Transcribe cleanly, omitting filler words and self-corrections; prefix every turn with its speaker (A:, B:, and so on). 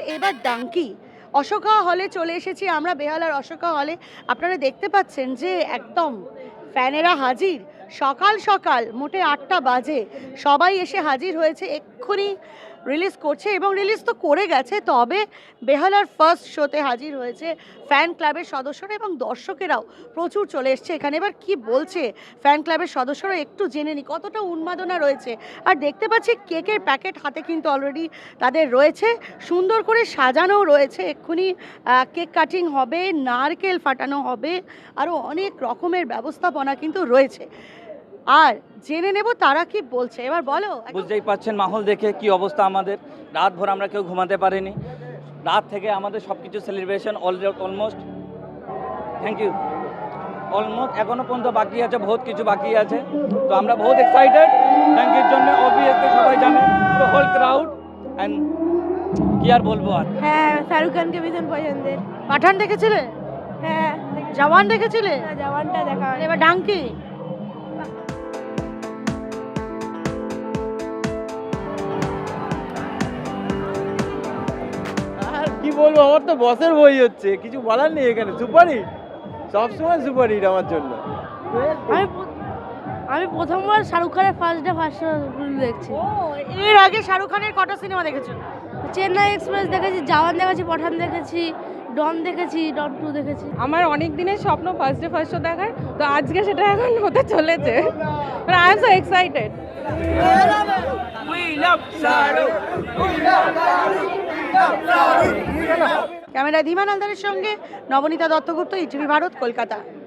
A: এবার ডাঙ্কি অশোকা হলে চলে এসেছি আমরা, বেহালার অশোকা হলে। আপনারা দেখতে পাচ্ছেন যে একদম ফ্যানেরা হাজির। সকাল সকাল মোটে 8টা বাজে সবাই এসে হাজির হয়েছে, এক্ষুনি রিলিজ করছে এবং রিলিজ তো করে গেছে, তবে বেহালার ফার্স্ট শোতে হাজির হয়েছে ফ্যান ক্লাবের সদস্যরা এবং দর্শকেরাও প্রচুর চলে এসছে এখানে। এবার কি বলছে ফ্যান ক্লাবের সদস্যরা একটু জেনে নি কতটা উন্মাদনা রয়েছে। আর দেখতে পাচ্ছি কেকের প্যাকেট হাতে কিন্তু অলরেডি তাদের রয়েছে, সুন্দর করে সাজানোও রয়েছে। এক্ষুনি কেক কাটিং হবে, নারকেল ফাটানো হবে, আরও অনেক রকমের ব্যবস্থাপনা কিন্তু রয়েছে। আর জেনে নেব তারা কি বলছে। এবার বলো।
B: বুঝতেই পাচ্ছেন মাহল দেখে কি অবস্থা আমাদের। রাত ভর আমরা কেউ ঘুমাতে পারিনি, রাত থেকে আমাদের সব কিছু celebration almost thank you almost এখনো পর্যন্ত বাকি আছে, বহুত কিছু বাকি আছে। তো আমরা বহুত এক্সাইটেড থ্যাংক ইউর জন্য। অবভিয়াসলি সবাই জানে তো হোল ক্রাউড অ্যান্ড কি আর বলবো আর।
C: হ্যাঁ, শাহরুখ খানকে ভীষণ পছন্দের।
A: পাঠান দেখেছিলে?
C: হ্যাঁ,
A: জওয়ান দেখেছিলে?
C: জওয়ানটা দেখা হয়নি।
A: এবার ডাঙ্কি।
D: আর কি বলবো, আমার তো বসের বই হচ্ছে, কিছু বলার নেই এখানে। সুপারহিট, সবসময় সুপারহিট আমার জন্য।
C: আমি প্রথমবার শাহরুখ খানের ফার্স্ট দেখছি।
A: ও, এর আগে শাহরুখ খানের কটা সিনেমা দেখেছো?
C: চেন্নাই এক্সপ্রেস দেখেছি, জওয়ান দেখেছি, পাঠান দেখেছি, ডন দেখেছি, ডন 2 দেখেছি।
E: আমার অনেক দিনের স্বপ্ন ফার্স্ট শো দেখার, তো আজকে সেটা এখন হতে চলেছে। I am so excited.
A: Camera Dhiman হালদারের সঙ্গে নবনীতা দত্তগুপ্ত, ইটিভি ভারত, কলকাতা।